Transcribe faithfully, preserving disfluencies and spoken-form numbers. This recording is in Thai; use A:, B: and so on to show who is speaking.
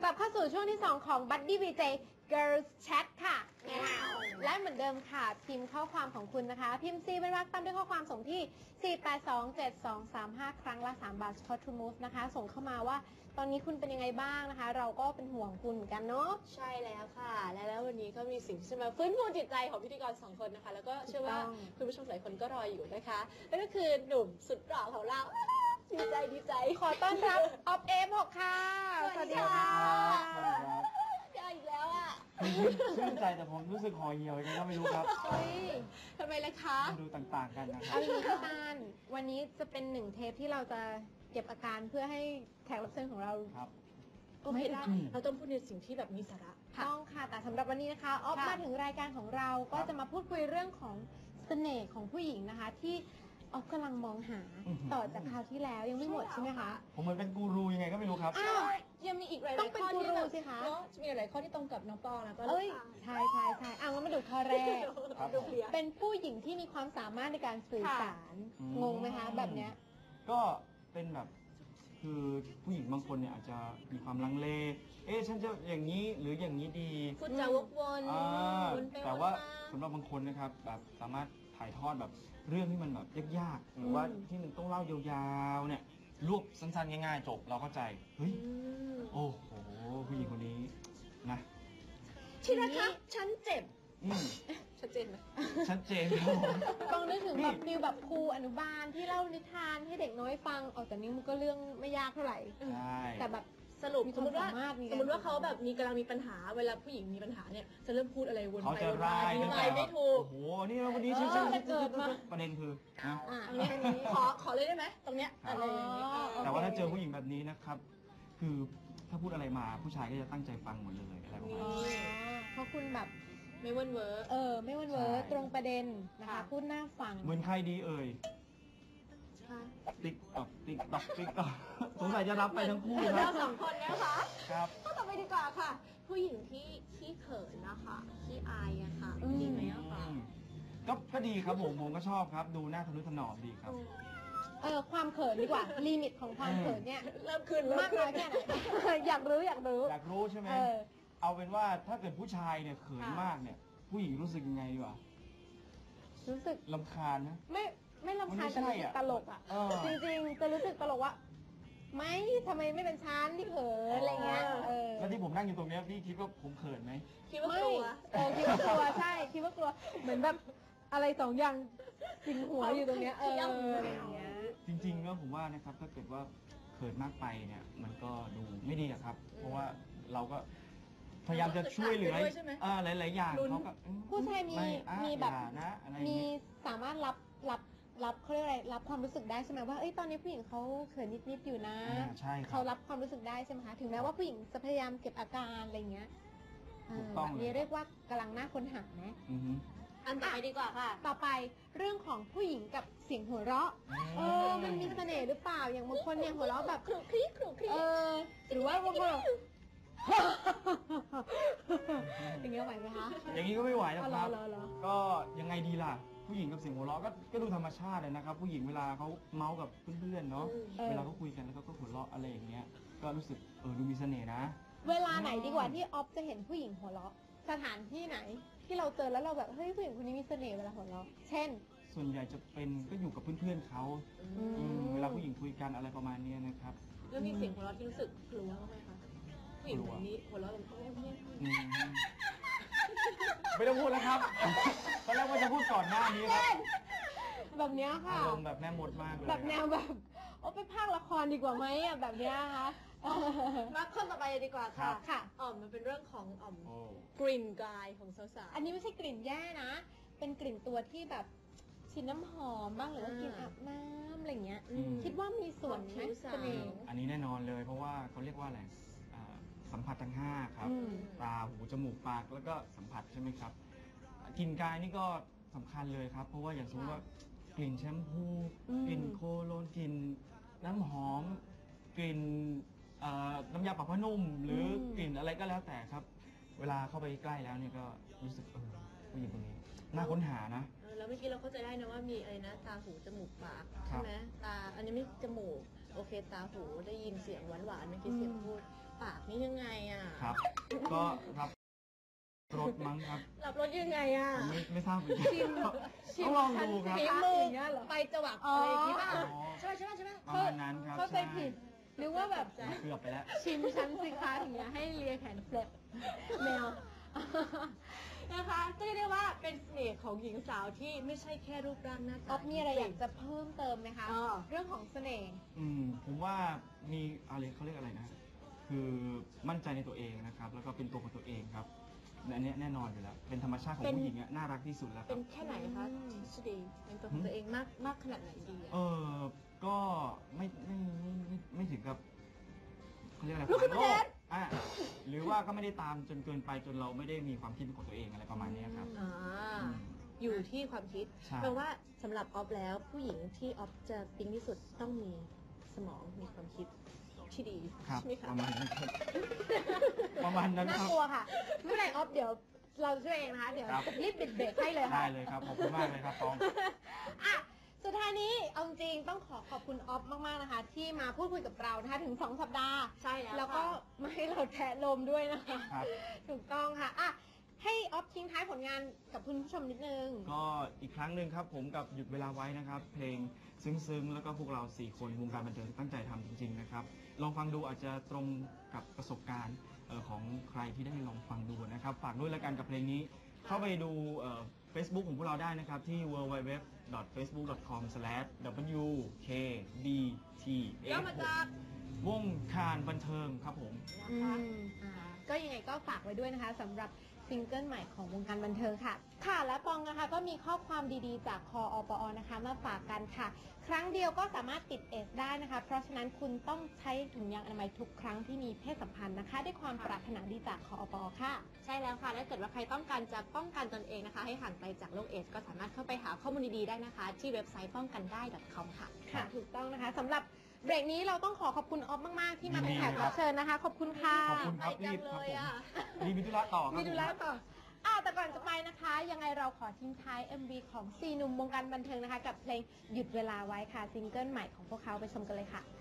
A: ลับเข้าสู่ช่วงที่สองของ Buddy วี เจ Girls Chat ค่ะและเหมือนเดิมค่ะพิมพ์ข้อความของคุณนะคะพิมพ์ C เป็นวรรคตามด้วยข้อความส่งที่ สี่ แปด สอง เจ็ด สอง สาม ห้า ครั้งละสามบาท Spot to Move นะคะส่งเข้ามาว่าตอนนี้คุณเป็นยังไงบ้างนะคะเราก็เป็นห่วงคุณเหมือนกันเนาะ
B: ใช่แล้วค่ะและแล้ววันนี้ก็มีสิ่งที่จะมาฟื้นฟูจิตใจของพิธีกรสองคนนะคะแล้วก็เชื่อว่าคุณผู้ชมหลายคนก็รออยู่นะคะนั่นก็คือหนุ่มสุดหล่อของเราดีใจดีใจ
A: ขอต้อนรับออฟเอฟหกค่ะ
B: สวัสดีค่ะเจออีกแล้วอ่ะ
C: ชื่นใจแต่ผมรู้สึกห่อเหี่ยวยังไงก็ไม่รู้ครับ
B: ทำไมล่ะคะ
C: ดูต่างๆกันนะครับ
A: เอาอย่างนี้กันวันนี้จะเป็นหนึ่งเทปที่เราจะเก็บอาการเพื่อให้แขกรับเชิญของเรา
C: ครับ
B: โอเคได้เราต้องพูดในสิ่งที่แบบมีสาระ
A: ต้องค่ะแต่สำหรับวันนี้นะคะออฟมาถึงรายการของเราก็จะมาพูดคุยเรื่องของเสน่ห์ของผู้หญิงนะคะที่ออฟกำลังมองหาต่อจากคราวที่แล้วยังไม่หมดใช่ไหมคะ
C: ผมเหมือนเป็นกูรูยังไงก็ไม่รู้ครับ
B: อ้าวยังมีอีกหลายๆข้อที่
A: แบบ
B: เนาะมีหลายข้อที่ตรงกับน้องปอแล้วก็
A: เอ้ยใช่ใช่ใช่เอางั้นมาดูข้อแรกเป็นผู้หญิงที่มีความสามารถในการสื่อสารงงไหมคะแบบเนี้ย
C: ก็เป็นแบบคือผู้หญิงบางคนเนี่ยอาจจะมีความลังเลเอ๊ะฉันจะอย่างนี้หรืออย่างนี้ดี
B: พูดจาวกวน
C: แต่ว่าสำหรับบางคนนะครับแบบสามารถถ่ายทอดแบบเรื่องที่มันแบบยากๆหรือว่าที่มันต้องเล่ายาวๆเนี่ยรวบสั้นๆง่ายๆจบเราเข้าใจเฮ้ยโอ้โหผู้หญิงคนนี้นะ
B: ที่นะคะฉันเจ็บชัดเจนไหม
C: ชัดเจนครับผม
A: ต้องนึกถึงแบบฟิลแบบครูอนุบาลที่เล่านิทานให้เด็กน้อยฟังออกแต่นี้มันก็เรื่องไม่ยากเท่าไหร่แต่แบบ
B: สรุปสมมติว่าสมมติว่าเขาแบบมีกำลังมีปัญหาเวลาผู้หญิงมีปัญหาเนี่ยจะเริ่มพูดอะไรวนไปวนมาอธิบายไม่ถูก
C: โอ้โหนี่วันนี้ฉันจะเกิดมาประเด็นคือ
B: ขอขอเลยได้ไหมตรงเนี้ยอะไรอย่างนี้
C: แต่ว่าถ้าเจอผู้หญิงแบบนี้นะครับคือถ้าพูดอะไรมาผู้ชายก็จะตั้งใจฟังหมดเลยอะไรประมาณนี้
A: เพราะคุณแบบ
B: ไม่วนเวอร์
A: เออไม่วนเวอร์ตรงประเด็นนะคะพูดน่าฟัง
C: เหมือนใครดีเอ่ยติ๊กตอกติ๊กตอกติ๊กตอกสงสัยจะรับไปทั้งคู่นะ
B: เราสองคนนะคะ
C: ครับ
B: ก็ต่อไปดีกว่าค่ะผู้หญิงที่ขี้เขินนะคะขี้อายอะค่ะดีไหมอะคะ
C: ก็ก็ดีครับผมผมก็ชอบครับดูหน้าทะนุถนอมดีครับ
A: เออความเขินดีกว่าลิมิตของความเขินเนี่ย
B: เริ่มขึ้น
A: มากน้อยแค่ไหนอยากรู้อยากรู้
C: อยากรู้ใช่ไหมเอาเป็นว่าถ้าเกิดผู้ชายเนี่ยเขินมากเนี่ยผู้หญิงรู้สึกยังไงดีวะ
A: รู้สึก
C: รำคาญนะ
A: ไม่ไม่รำคาญแต่รู้สึกตลกอ่ะจริงๆจะรู้สึกตลกว่าไม่ทำไมไม่เป็นชั้นที่เขินอะไรเงี้ย
C: แล้วที่ผมนั่งอยู่ตรงนี้พี่คิดว่าผมเขินไหม
B: คิดว่ากลัว
A: เออคิดว่ากลัวใช่คิดว่ากลัวเหมือนแบบอะไรสองอย่างสิงหัวอยู่ตรงเนี้ยเอออะไรเงี้ย
C: จริงๆแล้วผมว่านะครับถ้าเกิดว่าเขินมากไปเนี่ยมันก็ดูไม่ดีครับเพราะว่าเราก็พยายามจะช่วยเหลือหลายๆอย่างเขาก็
A: ผู้ชายมีมีแบบมีสามารถรับรับรับเขาเรียกอะไรรับความรู้สึกได้ใช่ไหมว่าเอ้ยตอนนี้ผู้หญิงเขาเขินนิดๆอยู่นะเขารับความรู้สึกได้ใช่ไหมคะถึงแม้ว่าผู้หญิงจะพยายามเก็บอาการอะไรเงี้ยแบบนี้เรียกว่ากำลังน่าค้นหานะ
B: อันต่อไปดีกว่าค่ะ
A: ต่อไปเรื่องของผู้หญิงกับเสียงหัวเราะเออมันมีเสน่ห์หรือเปล่าอย่างบางคนเนี่ยหัวเราะแบบ
B: ครุกคลิกครุกคลิก
A: เออหรือว่าบางคนอย่างเงี้ยไหวไหมคะ
C: อย่างนี้ก็ไม่ไหวนะครับก็ยังไงดีล่ะผู้หญิงกับเสียงหัวเราะก็ก็ดูธรรมชาติเลยนะครับผู้หญิงเวลาเขาเมาส์กับเพื่อนๆเนาะเวลาเขาคุยกันแล้วก็หัวเราะอะไรอย่างเงี้ยก็รู้สึกเออดูมีเสน่ห์นะ
A: เวลาไหนดีกว่าที่ออฟจะเห็นผู้หญิงหัวเราะสถานที่ไหนที่เราเจอแล้วเราแบบเฮ้ยผู้หญิงคนนี้มีเสน่ห์เวลาหัวเราะเช่น
C: ส่วนใหญ่จะเป็นก็อยู่กับเพื่อนๆเขาเวลาผู้หญิงคุยกันอะไรประมาณนี้นะครับ
B: แล้วมีเสียงหัวเราะที่รู้สึกกลัวไหมคะผู้หญิงคนนี้หัวเราะแบบ
C: ไม่ต้องพูดแล้วครับตอนแรกว่าจะพูดก่อนหน้านี้ครับ
A: แบบเนี้ยค่ะ
C: อารมณ์แบบแม่มดมากเลย
A: แบบแนวแบบโอ้ไปพากละครดีกว่าไหมอ่ะแบบเนี้ยคะ
B: มาข้อต่อไปดีกว่าค่ะ
A: ค่ะ
B: อ๋อมันเป็นเรื่องของอ๋อมกลิ่นกายของสาวๆ
A: อันนี้ไม่ใช่กลิ่นแย่นะเป็นกลิ่นตัวที่แบบฉีดน้ำหอมบ้างหรือว่ากินอาบน้ำอะไรเงี้ยคิดว่ามีส่วนไหมเสน่ห์
C: อันนี้แน่นอนเลยเพราะว่าเขาเรียกว่าอะไรสัมผัสทั้งห้าครับตาหูจมูกปากแล้วก็สัมผัสใช่ไหมครับกลิ่นกายนี่ก็สำคัญเลยครับเพราะว่าอย่างสมมติว่ากลิ่นแชมพูกลิ่นโคโลนกลิ่นน้ำหอมกลิ่นน้ำยาปรับผ้านุ่มหรือกลิ่นอะไรก็แล้วแต่ครับเวลาเข้าไปใกล้แล้วเนี่ยก็รู้สึกเออผู้หญิงคนนี้น่าค้นหานะ
B: แล้วเมื่อกี้เราเข้าใจได้นะว่ามีอะไรนะตาหูจมูกปากใช่ไหมตาอันนี้ไม่จมูกโอเคตาหูได้ยินเสียงหวานๆเมื่อกี้เสียงพูดปากนี่ยังไงอ่ะ
C: ครับ ก็รับรถมั้งครับ
B: รับรถยังไงอ่ะ
C: ผมไม่ไม่ทราบเหมือนกัน
A: ชิม
C: ต้องลองดูครับ
B: ฝีมือ
A: อย่างเงี้ยเหรอ
B: ไปจวักอะไรอย่างงี้ป่ะ
C: อ๋อ
B: ใช่ไหมใช่ไหมใช่ไหม
C: ประมาณนั้นครับ
A: เข้าใจผิด หรือว่าแบบ
C: ใช่เกือบไปแล้ว
A: ชิมชั้นสิคะอย่างเงี้ยให้เลียแขนเฟลบแมว
B: นะคะก็เรียกได้ว่าเป็นเสน่ห์ของหญิงสาวที่ไม่ใช่แค่รูปร่างหน้า
A: อ
B: ตา
A: อฟมีอะไรอยากจะเพิ่มเติมไหมคะ
B: อ๋อ
A: เรื่องของเสน่ห์
C: อืมผมว่ามีอะไรเขาเรียกอะไรนะ คือมั่นใจในตัวเองนะครับ แล้วก็เป็นตัวของตัวเองครับอันเนี้ยแน่นอนอยู่แล้ว เป็นธรรมชาติของผู้หญิงอะน่ารักที่สุดแล้วค
B: เป็
C: รั
B: น
C: บ
B: แค่ไหนคะชดีเป็นตัวของตัวเองมากมากขนาดไหนดี
C: เอ
B: อะ
C: อก็ไม่ไม่ไม่ไม่ไม่ถึงกับเขาเรียกอะไร
B: ลูกขึ้น
C: โล
B: มาแด
C: ก
B: น
C: อ่ะหรือว่าก็ไม่ได้ตามจนเกินไปจนเราไม่ได้มีความคิดเป็นของตัวเองอะไรประมาณเนี้ยครับ
B: อ่า
C: อืม
B: อยู่ที่ความคิด
C: ใช่
B: แปลว่าสำหรับออฟแล้วผู้หญิงที่ออฟจะปิ๊งที่สุดต้องมีสมองมีความคิดที่ดี
C: ครับ
B: ใช่ไหมคะ
C: ประมาณนั้นครับ ประมาณนั้น
A: น่า
C: ครับ
A: กลัวค่ะไม่เป็นไรออฟเดี๋ยวเราช่วยเองนะคะ เดี๋ยว
C: ครับ
A: รีบปิดเบรกให้เลยค่ะ
C: ได้เลยครับขอบคุณมากเลยครับตอง
A: อ่ะสุดท้ายนี้เอาจริงต้องขอขอบคุณออฟมากๆนะคะ ที่มาพูดคุยกับเรานะคะถึงสองสัปดาห์
B: ใช่แล้ว
A: แล้วก็
B: ค่ะ
A: มาให้เราแทะลมด้วยนะคะ
C: ครับ
A: ถูกต้องค่ะอ่ะให้ออฟทิ้งท้ายผลงานกับคุณผู้ชมนิดนึง
C: ก็อีกครั้งหนึ่งครับผมกับหยุดเวลาไว้นะครับ เพลงซึ้งๆ แล้วก็พวกเราสี่คนวงการบันเทิงตั้งใจทำจริงๆนะครับ ลองฟังดูอาจจะตรงกับประสบการณ์เอ่อของใครที่ได้ลองฟังดูนะครับ ฝากด้วยแล้วกันกับเพลงนี้ เข้าไปดูเอ่อ Facebook ของพวกเราได้นะครับ ที่ ดับเบิลยู ดับเบิลยู ดับเบิลยู ดอท เฟซบุ๊ก ดอท คอม สแลช ดับเบิลยู เค บี ที เอฟ
B: ย่อมาจาก
C: วงการบันเทิงครับผม
A: อืมอ่าก็ยังไงก็ฝากไว้ด้วยนะคะสำหรับซิงเกิลใหม่ของวงการบันเทิงค่ะ ค่ะและปองนะคะก็มีข้อความดีๆ จากคออปอนะคะมาฝากกันค่ะ ครั้งเดียวก็สามารถติดเอสได้นะคะ เพราะฉะนั้นคุณต้องใช้ถุงยางอนามัยทุกครั้งที่มีเพศสัมพันธ์นะคะ ด้วยความปรารถนาดีจากคออปอค่ะ
B: ใช่แล้วค่ะถ้าเกิดว่าใครต้องการจะป้องกันตนเองนะคะ ให้ห่างไกลจากโรคเอดส์ก็สามารถเข้าไปหาข้อมูลดีๆได้นะคะ ที่เว็บไซต์ป้องกันได้ .com ค่ะ
A: ค่ะถูกต้องนะคะสำหรับเบรกนี้เราต้องขอขอบคุณออฟมากๆ ที่มาเป็น
C: ยินดี
A: แขก
C: ครั
A: รับบ เชิญนะคะ ขอบคุณค่ะ
C: ขอบคุณครับ
B: ไปจั
C: รี
B: ง
C: บครับ
B: เลย
C: ผม
B: อะ
C: มีมิธุระต่อครับ
A: มีดู
C: ผม
A: แลต่ออ่าแต่ก่อนจะไปนะคะ ยังไงเราขอทิ้งท้าย เอ็ม วี ของสี่หนุ่มวงการบันเทิงนะคะ กับเพลงหยุดเวลาไว้ค่ะซิงเกิลใหม่ของพวกเขาไปชมกันเลยค่ะ